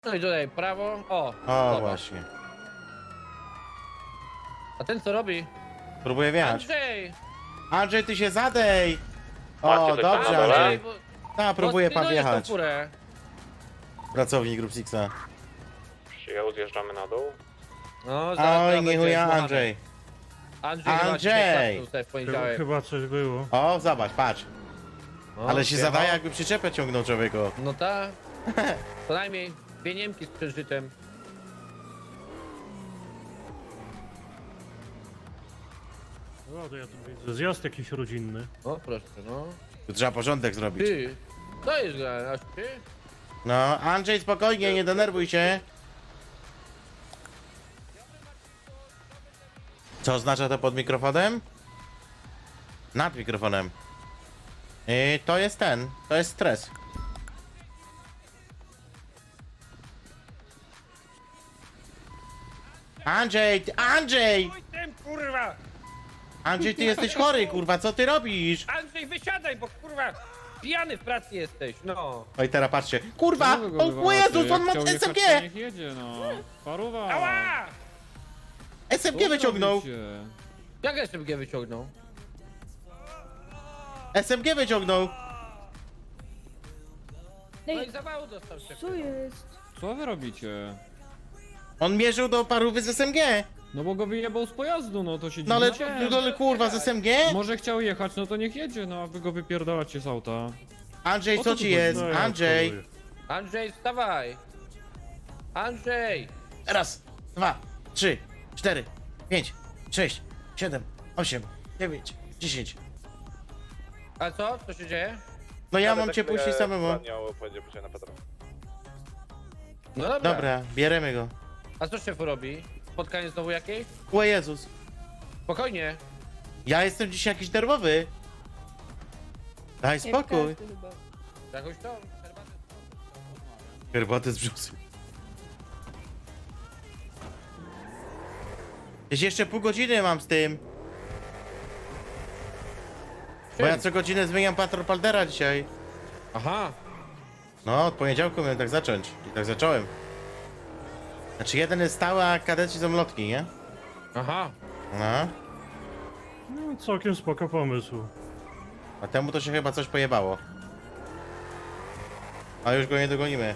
No i tutaj prawo. O, O, zobacz. właśnie. A ten co robi? Próbuję wjechać. Andrzej! Andrzej, ty się zadej! Macie O, coś tam dobrze, na dole? Andrzej. A, próbuje pan pilnujesz tą wjechać. furę. Pracownik Group Sixa. Przyjął, zjeżdżamy na dół. No, zaraz Oj, będzie nie chuja, zbuchany. Andrzej. Andrzej, chyba Andrzej! dzisiaj tutaj w poniedziałek. Chyba coś było. O, zobacz, patrz. No, Ale się wjechał. zadaje, jakby przyczepę ciągnął człowieku. No tak. Co najmniej dwie Niemki z przeżytem. O, to ja tu widzę. Zjazd jakiś rodzinny. O, proszę, no. Tu trzeba porządek zrobić. Ty, to jest grane, aż ty? No, Andrzej, spokojnie, nie denerwuj się. Co oznacza to pod mikrofonem? Nad mikrofonem. To jest to jest stres. Andrzej, Andrzej! Tym, kurwa! Andrzej, ty jesteś chory, kurwa, co ty robisz? Andrzej, wysiadaj, bo kurwa pijany w pracy jesteś, no. Oj, teraz patrzcie. Kurwa! O Jezus, on ma SMG! Niech jedzie, no. Paruwa. Ała! SMG wyciągnął! Jak SMG wyciągnął? SMG wyciągnął! No i Ej, zawału dostał się. co jest? Co wy robicie? On mierzył do parówy z SMG! No bo go wyjebał z pojazdu, no to się No ale, dziwicie. no, ale kurwa, z SMG? Może chciał jechać, no to niech jedzie, no a wy go wypierdalacie z auta. Andrzej, O co co tu ci jest? No, ja Andrzej! odpaluję. Andrzej, wstawaj! Andrzej! Raz, 2, 3, 4, 5, 6, 7, 8, 9, 10. A co? Co się dzieje? No ja mam cię puścić samemu. No dobra. Dobra, bierzemy go. A co szefu robi? Spotkanie znowu jakieś? O Jezus. Spokojnie. Ja jestem dzisiaj jakiś nerwowy. Daj spokój. Jak każdy chyba. Jakoś to? Herbatę? Herbatę z brzusy. Jeśli jeszcze pół godziny mam z tym. Bo ja co godzinę zmieniam patrol Paldera dzisiaj. Aha. No, od poniedziałku miałem tak zacząć. I tak zacząłem. Znaczy jeden jest stały, a kadeci są lotki, nie? Aha. No. No, całkiem spoko pomysł. A temu to się chyba coś pojebało. A już go nie dogonimy.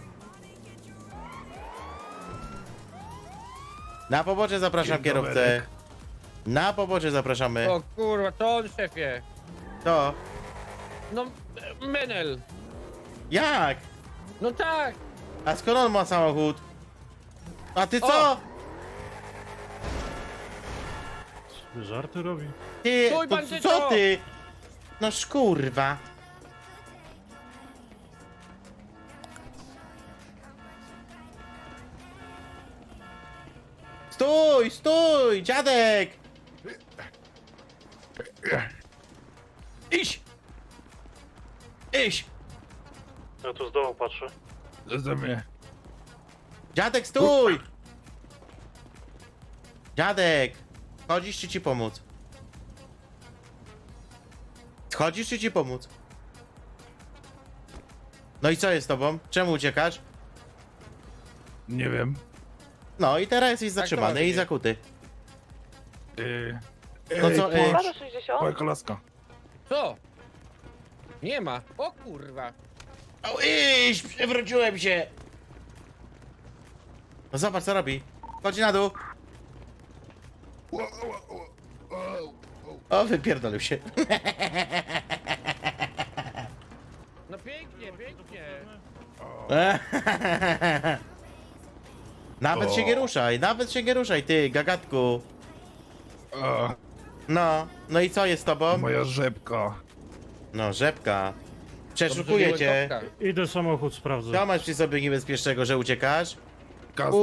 Na pobocze zapraszam kierowcę. Na pobocze zapraszamy. O kurwa, to on szefie. To. No, Menel. Jak? No tak. A skąd on ma samochód? A ty co? O! Sobie żarty robi. Ty, Stój, to, bandyto! co ty? No szkurwa. Stój, stój, dziadek! Iść! Iść! Ja tu z dołu patrzę. Dziadek, stój! Dziadek! Chodzisz czy ci pomóc? Schodzisz czy ci pomóc? No i co jest z tobą? Czemu uciekasz? Nie wiem. No i teraz jesteś zatrzymany właśnie. i zakuty. No co, Moja kolaska. Co? Nie ma. O kurwa. O, iść! Przewróciłem się! No zobacz co robi. Chodź na dół. O, wypierdolił się. No pięknie, pięknie. Nawet się nie ruszaj, nawet się nie ruszaj, ty, gagatku. A, No, no i co jest z tobą? moja rzepka. No, rzepka. Dobrze, Przeszukuję że cię. łykowka. Idę samochód sprawdzę. Co masz przy sobie niebezpiecznego, że uciekasz? Kastet.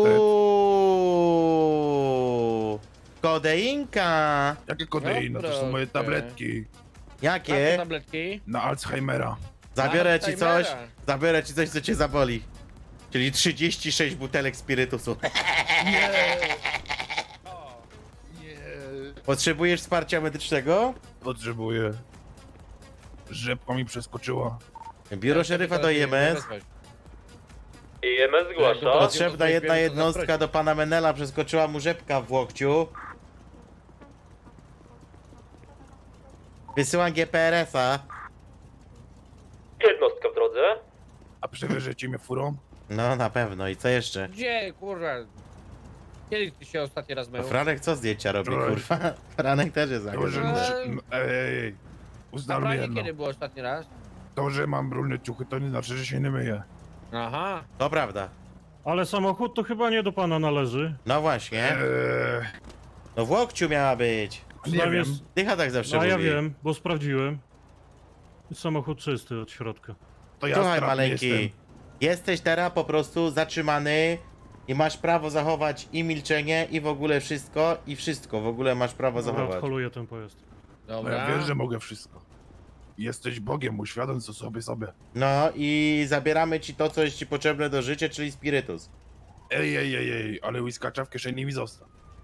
Uuuu, kodeinka. Jakie kodeina? To są moje proszę. tabletki. A Jakie? te tabletki? Na Alzheimera. Zabiorę ci coś, Alzheimera. co cię zaboli. Czyli 36 butelek spirytusu. O, Potrzebujesz wsparcia medycznego? Potrzebuję. Rzepka mi przeskoczyła. Biuro szeryfa do IMS. IMS zgłasza. Potrzebna jedna to jednostka zaprosić. do pana Menela, przeskoczyła mu rzepka w łokciu. Wysyłam GPRS-a. Jednostka w drodze. A przewieziecie mnie furą? No na pewno, i co jeszcze? Gdzie, kurwa? Kiedy ty się ostatni raz mył? To Franek co zdjęcia robi, Wczoraj. kurwa? Franek też jest To, że zagrożony. muszę... Ej, A ustalmy branie jedno. kiedy było ostatni raz? To, że mam brudne ciuchy, to nie znaczy, że się nie myję. Aha. To prawda. Ale samochód to chyba nie do pana należy. No właśnie. No w łokciu miała być. Nie Przynajmniej wiem. s- Dycha tak zawsze A ja mówi. wiem, bo sprawdziłem. Samochód czysty od środka. To ja Słuchaj stratny maleńki, jestem. jesteś teraz po prostu zatrzymany i masz prawo zachować i milczenie i w ogóle wszystko i wszystko w ogóle masz prawo Dobra, zachować. odholuję ten pojazd. No Dobra. ja wiem, że mogę wszystko. Jesteś Bogiem, uświadom co sobie. No i zabieramy ci to, co jest ci potrzebne do życia, czyli spirytus. Ej, ale whiskacza w kieszeni mi zostaw.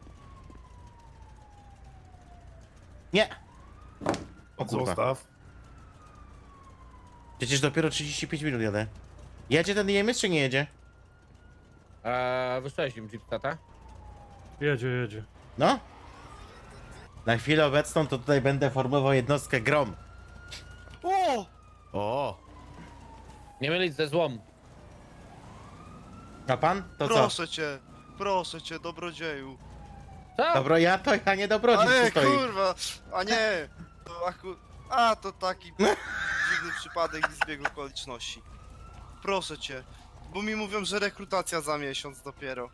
Nie! O kurwa. Zostaw. Przecież dopiero 35 minut jadę. Jedzie ten IMS czy nie jedzie? Wysłałeś im Jeepstata? Jedzie. No? Na chwilę obecną to tutaj będę formował jednostkę Grom. O! Nie mylić ze złom. A pan? To co? Proszę cię, dobrodzieju. Co? Dobro, ja nie dobrodziej Ale tu stoi. kurwa, a nie, to taki dziwny przypadek i zbieg okoliczności. Proszę cię, bo mi mówią, że rekrutacja za miesiąc dopiero.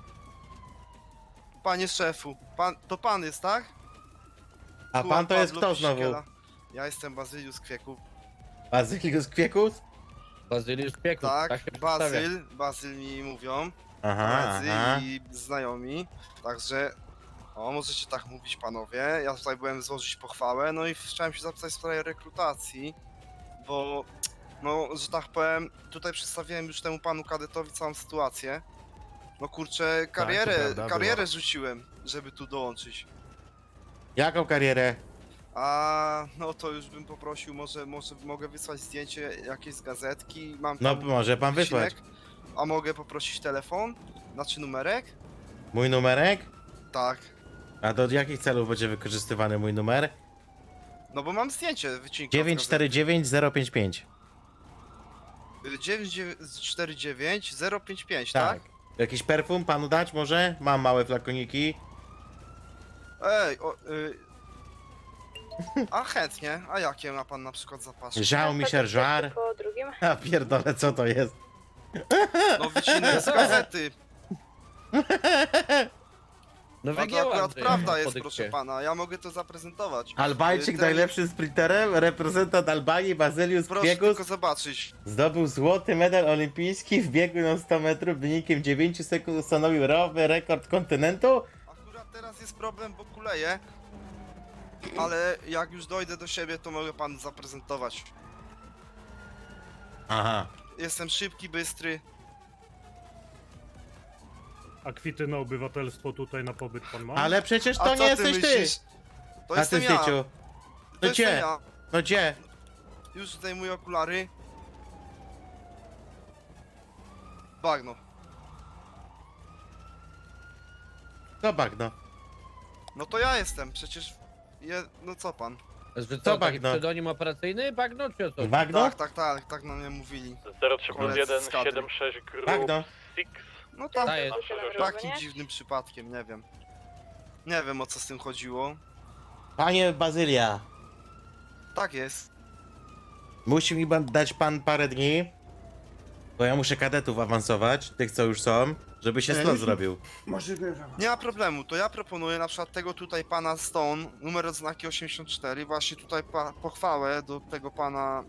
Panie szefu, to pan jest, tak? A pan to jest kto znowu? Ja jestem Bazylius Kwieków. Bazylius Kwiekus? Bazyliusz Pieków. Tak, się przedstawia. Bazyl mi mówią. Aha, Koledzy aha. i znajomi, także możecie tak mówić panowie, ja tutaj byłem złożyć pochwałę, no i chciałem się zapytać w sprawie rekrutacji, bo no, że tak powiem, tutaj przedstawiłem już temu panu kadetowi całą sytuację. No kurczę, karierę rzuciłem, żeby tu dołączyć. Jaką karierę? A no to już bym poprosił, może mogę wysłać zdjęcie jakiejś z gazetki, mam No tam może pan wysłać. wycinek. A mogę poprosić telefon? Znaczy numerek? Mój numerek? Tak. A do jakich celów będzie wykorzystywany mój numer? No bo mam zdjęcie, wycinka. 949 055. 949 055, Tak. tak? Jakiś perfum panu dać może? Mam małe flakoniki. Ej, a chętnie, a jakie ma pan na przykład zapasy? Żał mi się żar. Po drugim. A pierdolę, co to jest? No wycinek z gazety. No A to wygięłam akurat ty, prawda po jest, dykcie. proszę pana, ja mogę to zaprezentować. Albańczyk Ten- najlepszym sprinterem, reprezentant Albanii Bazylius Proszę Kwiekus tylko zobaczyć. zdobył złoty medal olimpijski w biegu na 100 metrów wynikiem 9 sekund ustanowił nowy rekord kontynentu. Akurat teraz jest problem, bo kuleję. Ale jak już dojdę do siebie, to mogę panu zaprezentować. Aha. Jestem szybki, bystry. A kwity na obywatelstwo tutaj na pobyt pan ma? Ale przecież A to co nie jesteś ty! myślisz? To A jestem ty, ja. Styciu. To No jestem gdzie? ja. No gdzie? Już zdejmuję okulary. Bagno. To bagno. No to ja jestem, przecież... No co pan? Że Co co, taki bagno? pseudonim operacyjny? Bagno czy o co? Bagno? Tak na mnie mówili. 03+176 Group Bagno. 6. No tak, Ta jest. takim dziwnym przypadkiem, nie wiem. Nie wiem o co z tym chodziło. Panie Bazylia, Tak jest. musi mi dać pan parę dni, bo ja muszę kadetów awansować, tych co już są, żeby się slot zrobił. Nie ma problemu, to ja proponuję na przykład tego tutaj pana Stone, numer odznaki 84, właśnie tutaj pochwałę do tego pana...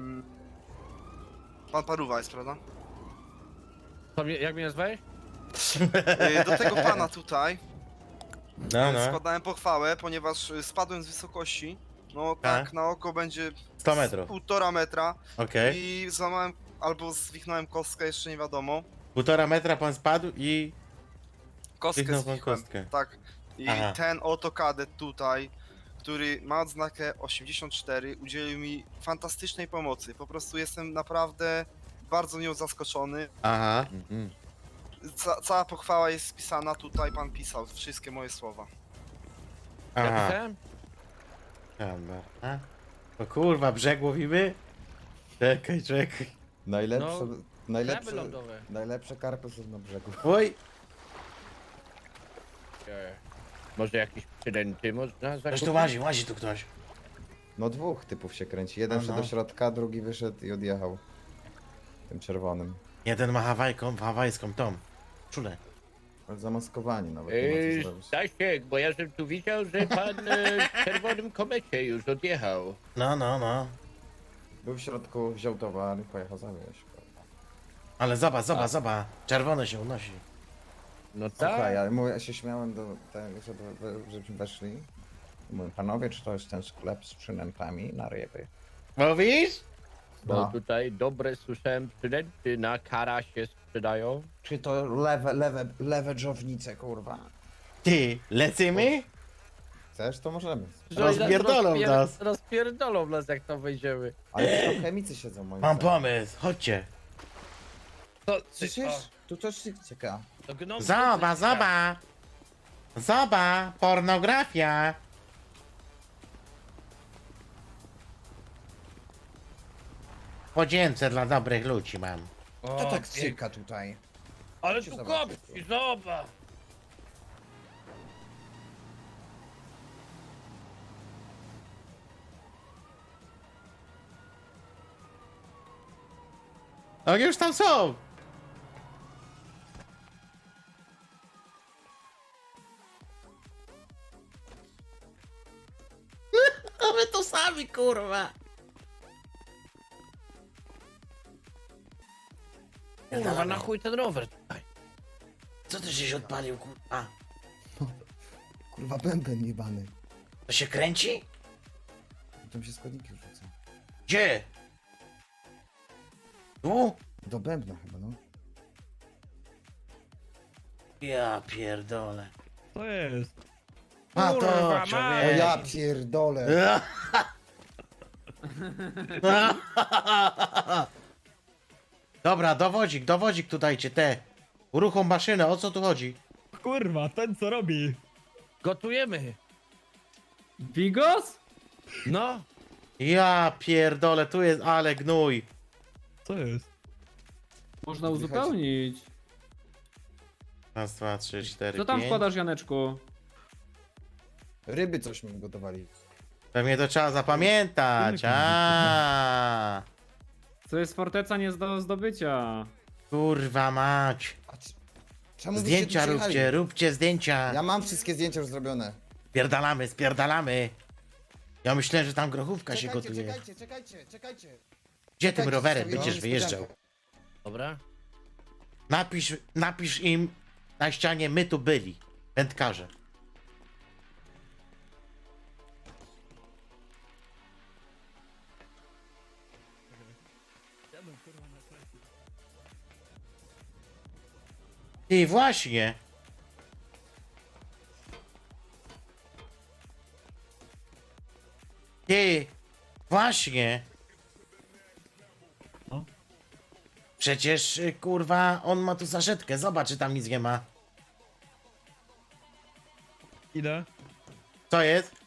Pan Paruwa jest, prawda? Jak mnie nazwałeś? Do tego pana tutaj No, no. składałem pochwałę, ponieważ spadłem z wysokości. No tak, na oko będzie 100 metrów. 1,5 metra Okej. i złamałem albo zwichnąłem kostkę, jeszcze nie wiadomo. 1,5 metra pan spadł i... Kostkę Zwichnął pan zwichłem, kostkę. tak. I Aha. ten oto kadet tutaj, który ma odznakę 84, udzielił mi fantastycznej pomocy. Po prostu jestem naprawdę bardzo nią zaskoczony. Aha. Cała pochwała jest spisana tutaj, pan pisał wszystkie moje słowa. Ja Aha. pisałem? Dobra. A? O kurwa, brzeg łowimy? Czekaj. Najlepsze, No, Kraby najlepsze, lądowe. najlepsze karpy są na brzegu. Oj, Może jakieś przydęty można ktoś zakupić? tu łazi tu ktoś. No dwóch typów się kręci. Jeden Aha. wszedł do środka, drugi wyszedł i odjechał. Tym czerwonym. Jeden ma hawajską tą. Czule. Ale zamaskowani nawet, nie ma co zrobić. Stasiek, bo ja żem tu widział, że pan w czerwonym komecie już odjechał. No. Był w środku, wziął towar i pojechał zawieźć. Ale zobacz. Czerwone się unosi. No Słuchaj, tak. ja, ja się śmiałem do tego, żebyśmy weszli. Mówię, panowie, czy to jest ten sklep z przynętami na ryby? Mówisz? Bo No. tutaj dobre słyszałem przydęty na kara się sprzedają. Czy to lewe dżownice, kurwa? Ty, lecimy? Chcesz, to możemy. Rozpierdolą nas. Rozpierdolą nas jak tam wejdziemy. Ale to chemicy siedzą moim Mam zdaniem. pomysł, chodźcie. Słyszysz? Tu coś cieka. Zobacz, pornografia. Podzięce dla dobrych ludzi mam. To tak cyka tutaj. Ale Chodźcie tu zobaczyć. kopci, zobacz. No już tam są. A my to sami, kurwa. Kurwa, na chuj ten rower tutaj. Co ty żeś odpalił, kurwa? Kurwa, bęben jebany. To się kręci? Tam się składniki rzucą. Gdzie? Tu? Do bębna chyba, no. Ja pierdolę. To jest. A Kurwa, to, mać. O człowiek. ja pierdolę. Dobra, dowodzik tu dajcie, te. Uruchom maszynę, o co tu chodzi? Kurwa, ten co robi? Gotujemy. Bigos? No. Ja pierdolę, tu jest, ale gnój. Co jest? Można uzupełnić. Raz, dwa, trzy, cztery, Co tam pięć. wkładasz, Janeczku? Ryby coś mi gotowali. Pewnie to trzeba zapamiętać, a. To jest forteca nie do zdobycia. Kurwa mać. A czemu byście tu Zdjęcia przyjechali? róbcie zdjęcia. Ja mam wszystkie zdjęcia już zrobione. Spierdalamy. Ja myślałem, że tam grochówka się gotuje. Czekajcie. Gdzie tym czekajcie, rowerem sobie będziesz mam wyjeżdżał? niespodziankę. Dobra. Napisz im na ścianie, my tu byli. Wędkarze. Ty, właśnie. Ty, właśnie. Przecież, kurwa, on ma tu saszetkę. Zobacz, czy tam nic nie ma. Idę. Co jest?